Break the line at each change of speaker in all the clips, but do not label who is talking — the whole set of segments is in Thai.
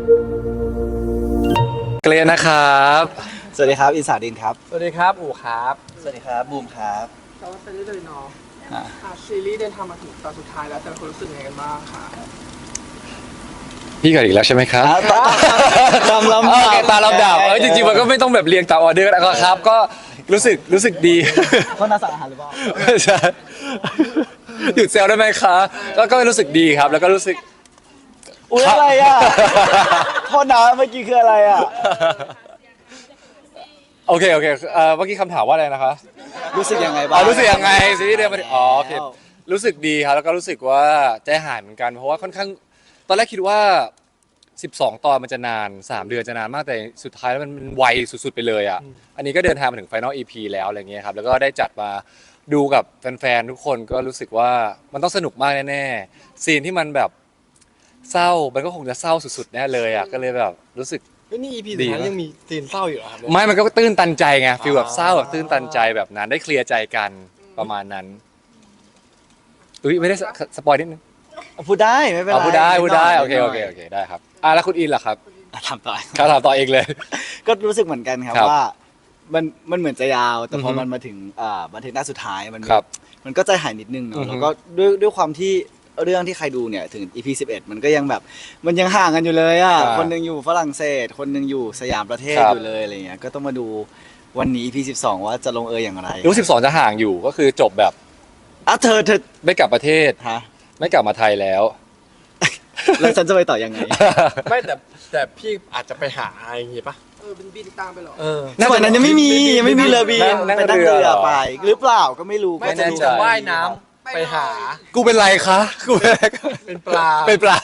เกรนนะครับ
สวัสดีครับอินสาดินครับ
สวัสดีครับอู๋ครับ
สวัสดีครับบูมครับ
แต่ว่าซีรีส์เลยเนาะซีรีส์เดินทางมาถึงตอนสุดท้ายแล้วแต่ละคนรู้สึกยังไงกันบ้างคะ
พี่ก่อนอีกแล้วใช่ไหมครับ
ตามลำดับ
ตามลำดับจริงๆมันก็ไม่ต้องแบบเรียงตามออเดอร์นะครับก็รู้สึกดี
เขาน่าสั่งอาหารหรือเปล่า
ใช่หยุดเซลได้ไหมคะก็รู้สึกดีครับแล้วก็รู้สึก
อุ้ยอะไรอ่ะโทษนะเมื่อกี้คืออะไรอ่ะ
โอเคเมื่อกี้คำถามว่าอะไรนะคะ
รู้สึกยังไงบ้าง
รู้สึกยังไงซีรีส์เดินมาโอเครู้สึกดีครับแล้วก็รู้สึกว่าใจหายเหมือนกันเพราะว่าค่อนข้างตอนแรกคิดว่า12 ตอนมันจะนาน3 เดือนจะนานมากแต่สุดท้ายแล้วมันไวสุดๆไปเลยอ่ะอันนี้ก็เดินทางมาถึง Final EP แล้วอะไรเงี้ยครับแล้วก็ได้จัดมาดูกับแฟนๆทุกคนก็รู้สึกว่ามันต้องสนุกมากแน่ๆซีนที่มันแบบเศร้ามันก็คงจะเศร้าสุดๆแน่เลยอ่ะก็เลยแบบรู้สึก
นี่ EP สุดท้ายยังมีซีนเศร้าอยู่เหรอครับ
ไม่มันก็ตื้นตันใจไงฟีลแบบเศร้าแบบตื้นตันใจแบบนั้นได้เคลียร์ใจกันประมาณนั้นไม่ได้สปอยนิดนึง
พูดได้ไม่เป็นไร
พูดได้โอเคได้ครับแล้วคุณอินล่ะครับ
ถามต่อ
ถามต่อเองเลย
ก็รู้สึกเหมือนกันครับว่ามันเหมือนจะยาวแต่พอมันมาถึงบันทึกหน้าสุดท้ายมันก็ใจหายนิดนึงเนาะแล้วก็ด้วยความที่เรื่องที่ใครดูเนี่ยถึง EP 11มันก็ยังแบบมันยังห่างกันอยู่เลยอ่ะคนนึงอยู่ฝรั่งเศสคนนึงอยู่สยามประเทศอยู่เลยอะไรเงี้ยก็ต้องมาดูวันนี้ EP 12ว่าจะลงอย่างไร
รู้12จะห่างอยู่ก็คือจบแบบ
เธอ
ไม่กลับประเทศ
ฮะ
ไม่กลับมาไทยแล้ว
แล้วฉันจะไปต่อยังไง
ไม่แต่พี่อาจจะไปหาอย่างงี้ปะ
เป็นบินตามไปหรอ
ในวันนั้นยังไม่มีเรือบินไปนั่งเรือไปหรือเปล่าก็ไม่รู้
ไม่แน่ใจว่ายน้ำไปหา
กูเป็นไรคะกู
เป็นปลา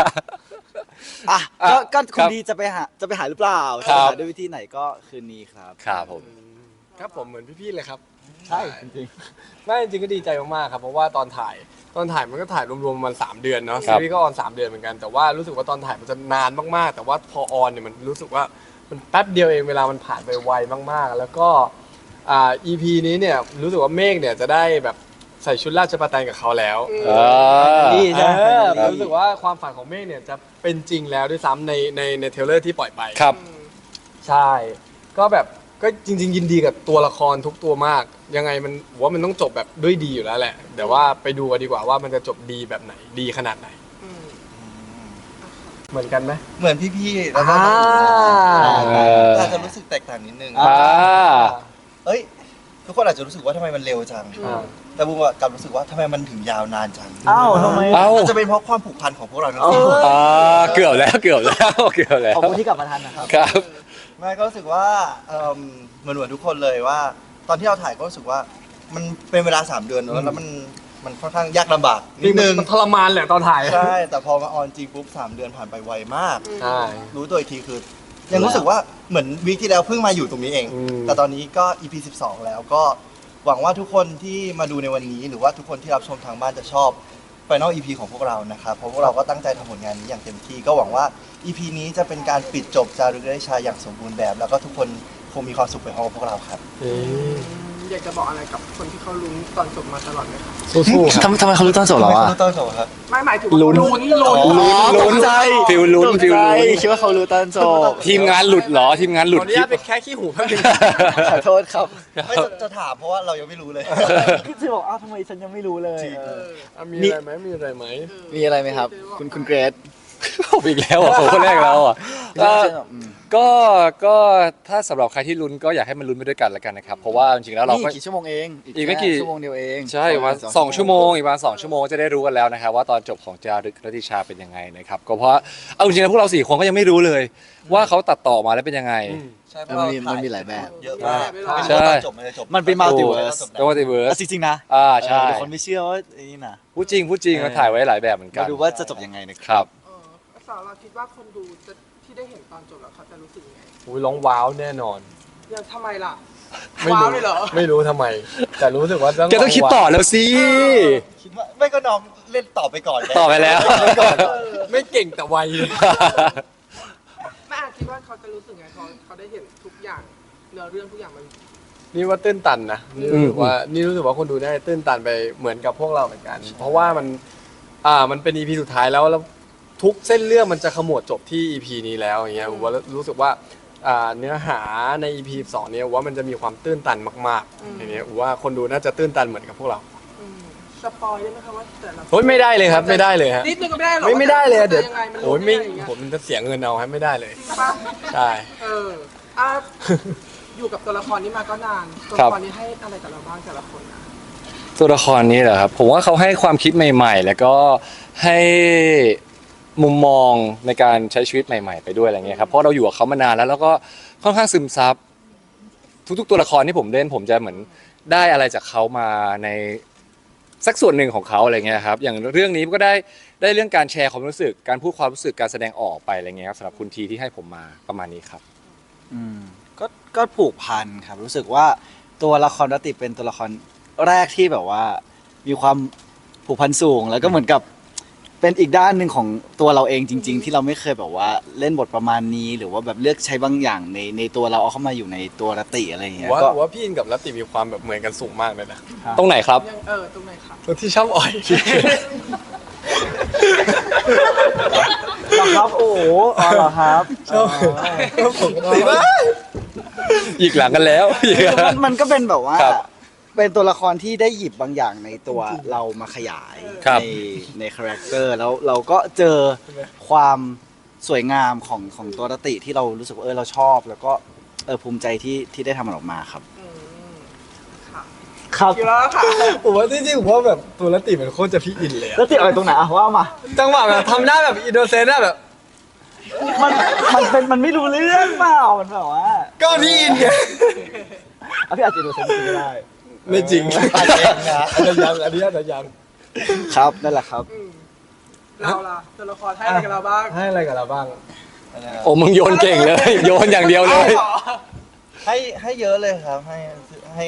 ก็คุณดีจะไปหาหรือเปล่าจะหาด้วยวิธีไหนก็คืนนี้ครับ
ครับผม
ครับผมเหมือนพี่ๆเลยครับ
ใช่จริง
ไม่จริงก็ดีใจมากๆครับเพราะว่าตอนถ่ายมันก็ถ่ายรวมๆมัน3 เดือนเนาะซีรีส์ก็ออน3 เดือนเหมือนกันแต่ว่ารู้สึกว่าตอนถ่ายมันจะนานมากๆแต่ว่าพอออนเนี่ยมันรู้สึกว่ามันแป๊บเดียวเองเวลามันผ่านไปไวมากๆแล้วก็EP นี้เนี่ยรู้สึกว่าเมฆเนี่ยจะได้แบบใส่ชุดราชประแตนกับเขาแล้ว
นี่ใช่
รู้สึกว่าความฝันของเมฆเนี่ยจะเป็นจริงแล้วด้วยซ้ำในเทรลเลอร์ที่ปล่อยไป
ครับ
ใช่ก็แบบก็จริงๆยินดีกับตัวละครทุกตัวมากยังไงมันว่ามันต้องจบแบบด้วยดีอยู่แล้วแหละเดี๋ยวว่าไปดูกันดีกว่าว่ามันจะจบดีแบบไหนดีขนาดไหนเหมือนกันไหม
เหมือนพี่ๆแล้วก็อาจจะรู้สึกแตกต่างนิดนึงทุกคนอาจจะรู้สึกว่าทำไมมันเร็วจังแต่บูมกลับรู้สึกว่าทำไมมันถึงยาวนานจัง
ทำไม
จะเป็นเพราะความผูกพันของพวกเราทั้ง
สี่เกือบแล้ว
ขอบคุณที่กลับมาทันนะครับ
ครับ
ไม่ก็รู้สึกว่าเหมือนทุกคนเลยว่าตอนที่เราถ่ายก็รู้สึกว่ามันเป็นเวลา3 เดือนแล้วมันค่อนข้างยากลำบากนิดนึง
มันทรมานแหละตอนถ่าย
ใช่แต่พอมาออนจริงปุ๊บ3 เดือนผ่านไปไวมาก
ใช่
รู้ตัวอีกทีคือยังรู้สึกว่าเหมือนวีคที่แล้วเพิ่งมาอยู่ตรงนี้เองแต่ตอนนี้ก็ EP 12แล้วก็หวังว่าทุกคนที่มาดูในวันนี้หรือว่าทุกคนที่รับชมทางบ้านจะชอบ Final EP ของพวกเรานะครับเพราะพวกเราก็ตั้งใจทำผลงานนี้อย่างเต็มที่ก็หวังว่า EP นี้จะเป็นการปิดจบจารึกได้ชาอย่างสมบูรณ์แบบแล้วก็ทุกคนคงมีความสุขไปพร้อมกับพวกเราครับ
อยากจะบอกอะไรกับคนที่เขาลุ้นตอนจบมาตลอดไหมครับ
สู้ๆทำไมเขาลุ้นตอนจบเหรอวะ
ตอนจบครับ
ไม่หมายถึง
ลุ้น
ใจ
ฟิลลุ้น
คิดว่าเขารู้ตอนจบ
ทีมงานหลุดเหรอทีมงานหลุด
นี่เป็นแค่ขี้หูเพิ่ง
ขอโทษครับไม่จะถามเพราะว่าเรายังไม่รู้เลยคือบอกทำไมฉันยังไม่รู้เลย
มีอะไรไหมมีอะไร
ไหมครับคุณเกรซ
ผมอีกแล้วอ่ะผมคนแรกแล้วอ่ะก็ถ้าสำหรับใครที่ลุ้นก็อยากให้มันลุ้นไปด้วยกันแล้วกันนะครับเพราะว่าจริงๆแล้วเราก็
กี่ชั่วโมงเอง
อีกไม่กี่
ชั่วโมงเดียวเอง
ใช่มา2 ชั่วโมงอีกมา2 ชั่วโมงจะได้รู้กันแล้วนะครับว่าตอนจบของจารึกรัติชาเป็นยังไงนะครับก็เพราะเอาจริงๆแล้วพวกเรา4 คนก็ยังไม่รู้เลยว่าเขาตัดต่อมาแล้วเป็นยังไง
ใช่มันมีหลายแบบเยอะมาก
ใช่
มันเป็นมัลติเวิร์สจริงๆนะ
ใช่
คนไม่เชื่อว่านี่นะ
พูดจริงมาถ่ายไว้หลายแบบเหมือนกัน
มาดูว่าจะจบยังไง
นะครับ
สาวเราคิดว่าคนดูที่ได้เห็นตอนจบแล้วเขาจะรู้สึกยังไง
ร้องว้าวแน่นอน
ยังทำไมล่ะว้าวเลยเหรอ
ไม่รู้ทำไมแต่รู้สึกว่า
แกต้องคิดต่อแล้วสิ
คิดว่าไม่ก็น้องเล่นต่อไปก่อน
ต่อไปแล้ว
ไม่เก่งแต่ไว
ไม่คิดว่าเขาจะรู้สึกไงเขาได้เห็นทุกอย่างเนื้อเรื่องทุกอย่างมัน
นี่ว่าตื้นตันนะนี่รู้สึกว่าคนดูได้ตื้นตันไปเหมือนกับพวกเราเหมือนกันเพราะว่ามันเป็น EP สุดท้ายแล้วทุกเส้นเรื่องมันจะขมวดจบที่ EP นี้แล้วอย่างเงี้ยผมว่ารู้สึกว่าเนื้อหาใน EP 2เนี่ยว่ามันจะมีความตื้นตันมากๆอย่างเงี้ยว่าคนดูน่าจะตื้นตันเหมือนกับพวกเรา
สปอยได้ไหมคะว่าแต่ละ
โอ้ยไม่ได้เลยครับไม่ได้เลยฮะ
นิดนึงก็ไม่ได้หรอ
ไม่ได้เลยอะเดี๋ยว
ยังไงมัน
โอ้ย
ไม่
ไม่
อย่างเงี้ย
ผมจะเสียเงินเอาให้ไม่ได้เลย
จริงปะ
ใช่
อ่ะอยู่กับตัวละครนี้มาก็นานตัว
ครั
ละ
บ
ครนี้ให้อะไรกับเราบ้างแต่ละคนนะ
ตัวละครนี้เหรอครับผมว่าเขาให้ความคิดใหม่ๆ แล้วก็ให้มุมมองในการใช้ชีวิตใหม่ๆ ไปด้วยอะไรเงี้ยครับเพราะเราอยู่กับเขามานานแล้วก็ค่อนข้างซึมซับทุกๆตัวละครที่ผมเล่นผมจะเหมือนได้อะไรจากเขามาในสักส่วนหนึ่งของเขาอะไรเงี้ยครับอย่างเรื่องนี้ก็ได้เรื่องการแชร์ความรู้สึกการพูดความรู้สึกการแสดงออกไปอะไรเงี้ยครับสำหรับคุณทีที่ให้ผมมาประมาณนี้ครับ
อืมก็ผูกพันครับรู้สึกว่าตัวละครรตติเป็นตัวละครแรกที่แบบว่ามีความผูกพันสูง แล้วก็เหมือนกับเป็นอีกด้านหนึ่งของตัวเราเองจริง ๆ ที่เราไม่เคยแบบว่าเล่นบทประมาณนี้ หรือว่าแบบเลือกใช้บางอย่างในตัวเราเอาเข้ามาอยู่ในตัวรตติอะไรอย่างเงี้ย
ว่า
ก็
ว่าพี่อินกับรัตติมีความแบบเหมือนกันสูงมากเลยนะ
ตรงไหนครับ
ยังตรงไหนคะ
ตัวที่ชอบอ่อย
เหรอครับโอ้โหอ๋อเหรอครับ
ชอบปกติมาก
อีกหลังกันแล้ว
มันก็เป็นแบบว่า
ครับ
เป็นตัวละครที่ได้หยิบบางอย่างในตัวเรามาขยาย
ครับ
ในคาแรคเตอร์แล้วเราก็เจอความสวยงามของตัวรตติที่เรารู้สึกว่าเราชอบ แล้วก็ภูมิใจที่ได้ทำมันออกมาครับ
ค่ะ
ครับ
อยู่แล้วค่ะ
ผมว่าจริงๆผมว่าแบบตัวรัตติมันโคตรจะพี่อินเลยอะ
รตติอะไรตรงไหนอะว่ามา
จังหวะแบบทำหน้าแบบอินโนเซนต์อะแบบ
มันไม่รู้เรื่องเปล่ามันแบบว่า
ก็พี่อินไง
เอาพี่อาจจะดูเซนต์ก็ได้
ไม่จริง
อาจจะยังนะ
อันนี้ยังอันนี้อาจจะยัง
ครับนั่นแหละครับ
เราล่ะตัวละครให้อะไรกับเราบ้าง
ให้อะไรกับเราบ้าง
โอ้มึงโยนเก่งเลย โยนอย่างเดียวเลย
ให้เยอะเลยครับให้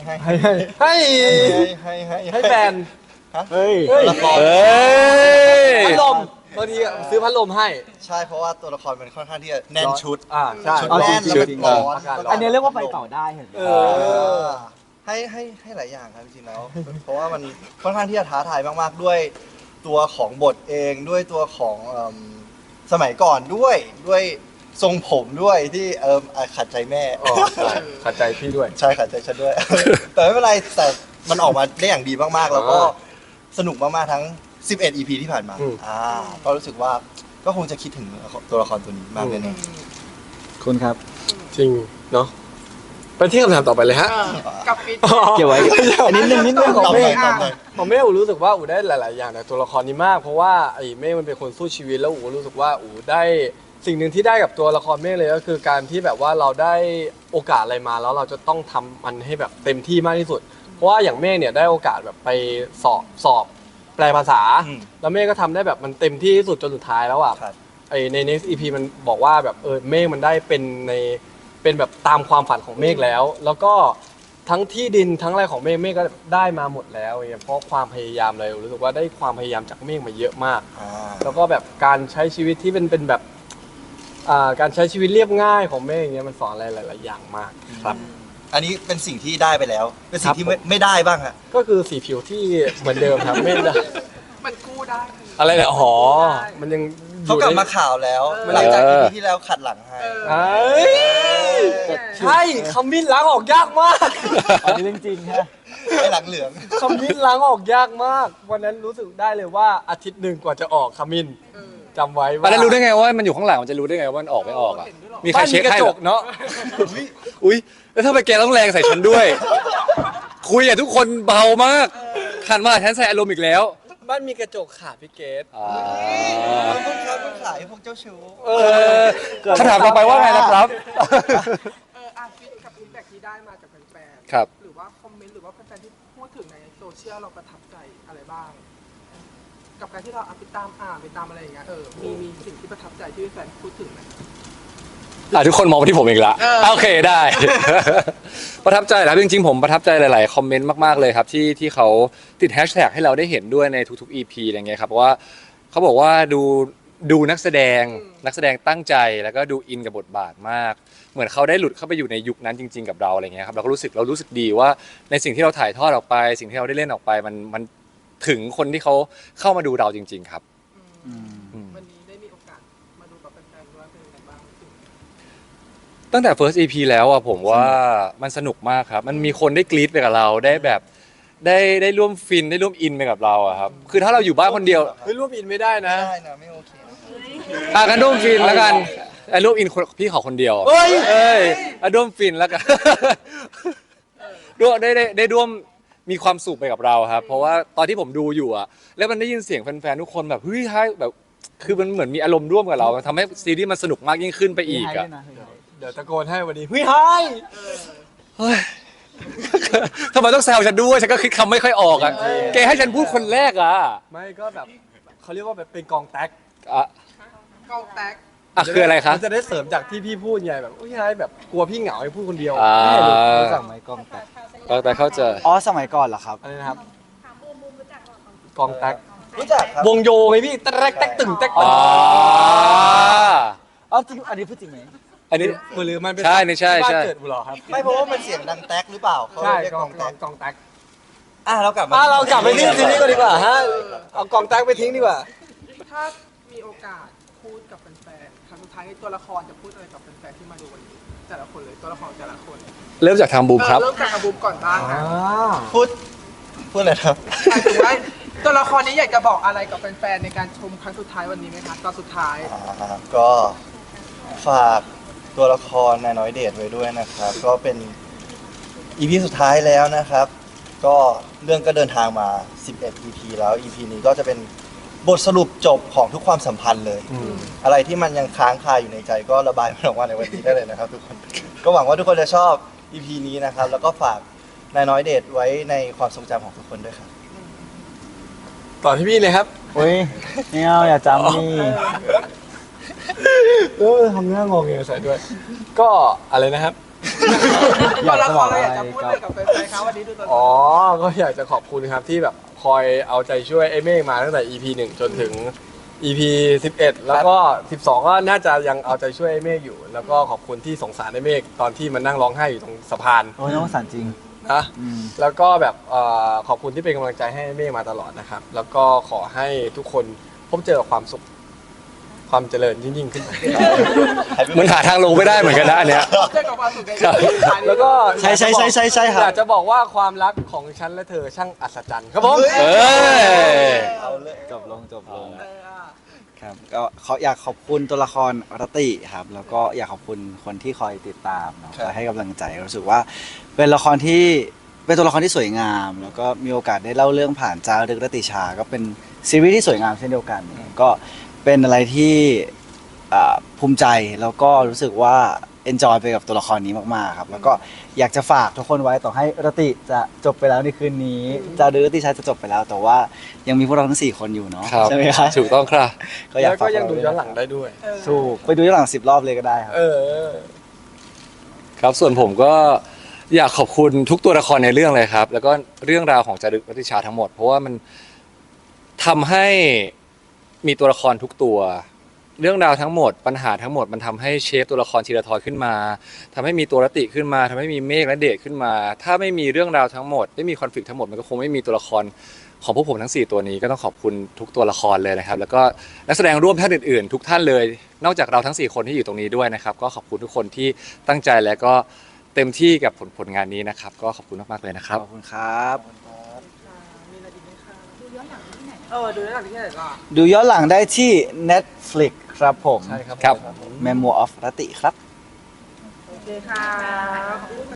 ให้แฟน
เฮ้ย
ละคร
เฮ้ย
พัดลมบางทีอะซื้อพัดลมให้
ใช่เพราะว่าตัวละครมันค่อนข้างที่จะแน่นชุด
ใช่
ชุด
เอา
แน่น
จริ
แล้ว
งๆ
เป็นร้อน
อากาศร้
อันนี้เรียกว่าไปต่อได้เห็นไหม
เอ
ให้หลายอย่างครับจริงๆแล้ว เพราะว่ามันค่อนข้างที่จะท้าทายมากๆด้วยตัวของบทเองด้วยตัวของสมัยก่อนด้วยทรงผมด้วยที่ขัดใจแม่
อ๋อใช่ขัดใจพี่ด้วย
ใช่ขัดใจฉันด้วย แต่ไม่เป็นไรแต่มันออกมาได้อย่างดีมากๆ แล้วก็สนุกมากๆทั้ง 11 EP ที่ผ่านมา
อืม
ก็รู้สึกว่าก็คงจะคิดถึงตัวละครตัวนี้มากแน่
คุณครับ
จริงเนาะไปที่คำถามต่อไปเลยฮะ
กับฟิต
เกี่ยวไว้นิดนึง
ๆ
ของ
ตอบ
เม
หน่อ
ฆ
ยตอบหน่อย
ผมไม่รู้สึกว่าอูได้หลาย ๆ อย่างในตัวละครนี้มาก เพราะว่าไอ้เมฆมันเป็นคนสู้ชีวิตแล้วอูรู้สึกว่าอูได้สิ่งหนึ่งที่ได้กับตัวละครเมฆเลยก็คือการที่แบบว่าเราได้โอกาสอะไรมาแล้วเราจะต้องทำมันให้แบบเต็มที่มากที่สุด เพราะว่าอย่างเมฆเนี่ยได้โอกาสแบบไปสอบแปลภาษา แล้วเมฆก็ทำได้แบบมันเต็มที่ที่สุดจนสุดท้ายแล้วอ่ะ
ครับ
ไอใน next EP มันบอกว่าแบบเมฆมันได้เป็นแบบตามความฝันของเมฆแล้ว แล้วก็ทั้งที่ดินทั้งอะไรของเมฆก็ได้มาหมดแล้วเนี่ยเพราะความพยายามเลยรู้สึกว่าได้ความพยายามจากเมฆมาเยอะมาก แล้วก็แบบการใช้ชีวิตที่เป็นแบบการใช้ชีวิตเรียบง่ายของเมฆอย่างเงี้ยมันสอนอะไรหลาย ๆ อย่างมากครับ
อันนี้เป็นสิ่งที่ได้ไปแล้ว เป็นสิ่งที่
ครับผม
ไม่ได้บ้างฮะ
ก็คือสีผิวที่เหมือนเดิมครับเมฆ
มันกู้ได้
อะไรเนี่ยอ๋อมันยัง
เขากลับมาข่าวแล้ว หลังจาก EP ที่แล้วขัดหลังให้
เอ้ยใช่คำมิ้นล้างออกยากมาก
อันนี้เรื่องจริงฮะ
ไอ้หลังเหลือง
คำมิ้นล้างออกยากมาก วันนั้นรู้สึกได้เลยว่าอาทิตย์หนึ่งกว่าจะออกคำมิ้นจำไว้
ตอ
ว่าน
นั้นรู้ได้ไงว่ามันอยู่ข้างหลังมันจะรู้ได้ไงว่ามันออกไม่ออกอ่ะ มีใคร
บ้าน
เช็
มี
ค
กระ
ให้
จ
เหร
ก
อ
เนาะ
อุ้ยแล้วถ้าไปแกต้องแรงใส่ฉันด้วย คุยกับทุกคนเบามากขันมาฉันใส่อารมณ์อีกแล้ว
บ้านมีกระจกค่ะพี่เกด
พวกค้าพวกขายพวกเจ้าชู้
คำถามต่อไปว่าไงนะครับ
ฟิตกับฟีดแบ็กที่ได้มาจากแฟนๆ
ครับ
หรือว่าคอมเมนต์หรือว่าแฟนๆที่พูดถึงในโซเชียลเราประทับใจอะไรบ้าง กับการที่เราไปตามอ่านไปตามอะไรอย่างเงี้ยมีสิ่งที่ประทับใจที่แฟนพูดถึงไหม
ทุกคนมองมาที่ผมอีกละโอเคได้ ประทับใจนะครับจริงๆผมประทับใจหลายๆคอมเมนต์มากๆเลยครับที่เขาติดแฮชแท็กให้เราได้เห็นด้วยในทุกๆ EP อะไรเงี้ยครับเพราะว่าเขาบอกว่าดูนักแสดงตั้งใจแล้วก็ดูอินกับบทบาทมาก เหมือนเขาได้หลุดเข้าไปอยู่ในยุคนั้นจริงๆกับเราอะไรเงี้ยครับเราก็รู้สึกดีว่าในสิ่งที่เราถ่ายทอดออกไป สิ่งที่เราได้เล่นออกไปมันถึงคนที่เขาเข้ามาดูเราจริง ๆ ครับ
วันนี้ได้ยังไงบ้าง
ตั้งแต่ first EP แล้วอะผมว่ามันสนุกมากครับ มันมีคนได้กรี๊ดไปกับเราได้แบบได้ร่วมฟินได้ร่วมอินไปกับเราอะครับ คือถ้าเราอยู่บ้านคนเดียว
เฮ้ยร่วมอินไม่ได้นะ
ไม่ได้นะไม่โอเคนะ
กันร่วมฟินแล้วกันร่วมอินพี่ขอคนเดียว
เฮ้ย
เอ้ยร่วมฟินแล้วกัน ร่วมได้ร่วมมีความสุขไปกับเราครับ เพราะว่าตอนที่ผมดูอยู่อะแล้วมันได้ยินเสียงแฟนๆทุกคนแบบเฮ้ยให้แบบคือมันเหมือนมีอารมณ์ร่วมกับเราทำให้ซีรีส์มันสนุกมากยิ่งขึ้นไปอีกอะ
เดี๋ยวตะโกนให้วันนี้เฮ้ยไฮ
เฮ้ย ทำไมต้องแซวฉันด้วยฉันก็คิดคำไม่ค่อยออกอะแกให้ฉันพูดคนแรกอะ
ไม่ก็แบบเขาเรียกว่าแบบเป็นกองแท็ก
อ่ะ
กองแตก
คืออะไรคะ
มันจะได้เสริมจากที่พี่พูดไงแบบอุ้ยไฮแบบกลัวพี่เหงาให้พูดคนเดียว
อ่า
ไม่เห็นเลย
รู้จักไหมกล้องแตก
แต่เข้าใจ
อ๋อสมัยก่อนเหรอครับ
อะไรนะครับกองแท็ก
รู้จักครับ
วงโยไงพี่แต๊กแต๊กตึงแต๊ก
อ๋
ตึ
อ
ง
อ๋อจริงอันนี้พูดจริงไหม
อันนี้
หรือมันเป็น
ใช่นี่ใช่
ที่บ้าน
ใช่
เกิดบุหรอครับ
ไม่เพราะว่ามันเสียงดังแต๊กหรือเปล่าเขา
ใช่
เรียก
ก
ก
อ
อง งแต๊ก
กองแท็ก
เรากลับมา
เรากลับไปที่ซีรีส์ก็ดีกว่าฮะเอากองแท็กไปทิ้งดีกว่า
ถ้ามีโอกาสพูดกับแฟนๆครั้งสุดท้ายตัวละครจะพูดอะไรกับแฟนๆที่มาดูวันนี้แต่ละคนเลยตัวละครแต่ละคน
เริ่มจากทางบูมครับ
เริ่มจากอาบูมก่อนบ้างนะ
พูดอะไรครับ
หมายถึงว่าตัวละครนี้อยากจะบอกอะไรกับแฟนๆในการชมครั้งสุดท้ายวันนี้ไหมคะตอนสุดท้าย
ก็ฝากตัวละครนายน้อยเดชไว้ด้วยนะครับ ก็เป็นอีพีสุดท้ายแล้วนะครับ ก็เรื่องก็เดินทางมา 11 EP แล้ว EP นี้ก็จะเป็นบทสรุปจบของทุกความสัมพันธ์เลย อะไรที่มันยังค้างคาอยู่ในใจก็ระบายมันออกมาในวันนี้ได้เลยนะครับทุกคน ก็หวังว่าทุกคนจะชอบ EP นี้นะครับ แล้วก็ฝากนายน้อยเดชไว้ในความทรงจำของทุกคนด้วยครับ
ต่อที่พี่เลยครับ
เฮ้ยไม่เอาอย่าจำนี่
ทำหน้างงเงี้ยใส่ด้วย ก็อะไรนะครับ
ตัวละครเราอยากจะพูดอะไรกับแฟนๆคะวันนี้ดูตัวละค
อ๋อ
ร
ก็อยากจะขอบคุณครับที่แบบคอยเอาใจช่วยไอ้เมฆมาตั้งแต่ EP 1 จนถึง EP 11 แล้วก็ 12 ก็น่าจะยังเอาใจช่วยไอ้เมฆอยู่ แล้วก็ขอบคุณที่สงสารไอ้เมฆตอนที่มันนั่งร้องไห้อยู่ตรงสะพาน
โอ้ยน้องสารจริง
นะ
อืม
แล้วก็แบบขอบคุณที่เป็นกำลังใจให้ไอ้เมฆมาตลอดนะครับ แล้วก็ขอให้ทุกคนพบเจอกับความสุข ความเจริญยิ่งๆขึ้นไป
เหมือนหาทางลงไม่ได้เหมือนกันนะอันเนี้ย
เจอกับความสุขใน
ครับ
แล้วก็
ใช่ครับ
อยากจะบอกว่าความรักของฉันและเธอช่างอัศจรรย์ครับผม
เอ้ย
เอาเลย
จบลง
เอออ่ะ
ครับก็อยากขอบคุณตัวละครรตติครับ แล้วก็อยากขอบคุณคนที่คอยติดตามเนาะคอยให้กำลังใจรู้สึกว่าเป็นละครที่เป็นตัวละครที่สวยงาม แล้วก็มีโอกาสได้เล่าเรื่องผ่านจารึกรตติชา ก็เป็นซีรีส์ที่สวยงามเช่นเดียวกัน ก็เป็นอะไรที่ภูมิใจแล้วก็รู้สึกว่า enjoy ไปกับตัวละครนี้มากๆครับ แล้วก็อยากจะฝากทุกคนไว้ต่อให้รตติจะจบไปแล้วในคืนนี้จารึกรตติชาจะจบไปแล้ว แต่ว่ายังมีพวกเราทั้ง4คนอยู่เนาะ
ครับ
ใช่ไหมครับ
ถูกต้องครับ
ก็อยาก
แล้ว
ฝา
ก็
ก
ยังดู
ไว้
ย้อนหลังได้ด้วย
ถูกไปดูย้อนหลัง10 รอบเลยก็ได้ครับ
เออ
ครับส่วนผมก็อยากขอบคุณทุกตัวละครในเรื่องเลยครับ แล้วก็เรื่องราวของจารึกรัตติชาทั้งหมด เพราะว่ามันทำให้มีตัวละครทุกตัว เรื่องราวทั้งหมดปัญหาทั้งหมดมันทำให้เชฟตัวละครธีรทรขึ้นมาทำให้มีตัวรตติขึ้นมาทำให้มีเมฆและเดชขึ้นมา ถ้าไม่มีเรื่องราวทั้งหมดไม่มีคอนฟ lict ทั้งหมดมันก็คงไม่มีตัวละครของพวกผมทั้ง4ตัวนี้ก็ต้องขอบคุณทุกตัวละครเลยนะครับ แล้วก็นักแสดงร่วมท่านอื่นๆ ทุกท่านเลย นอกจากเราทั้ง4คนที่อยู่ตรงนี้ด้วยนะครับ ก็ขอบคุณทุกคนที่ตั้งใจและก็เต็มที่กับผลงานนี้นะครับ ก็ขอบคุณมากๆเลยนะครับ
ขอบคุณครับ
มีอะไรอีกไหมคะดูย้อนหลังที่ไหนดูย้อนหลังที่ไหนล่ะ
ดูย้อนหลังได้ที่ Netflix ครับผม
ใช่ครับ
ครับ
Memoir of รตติครับ
โอเคค่ะ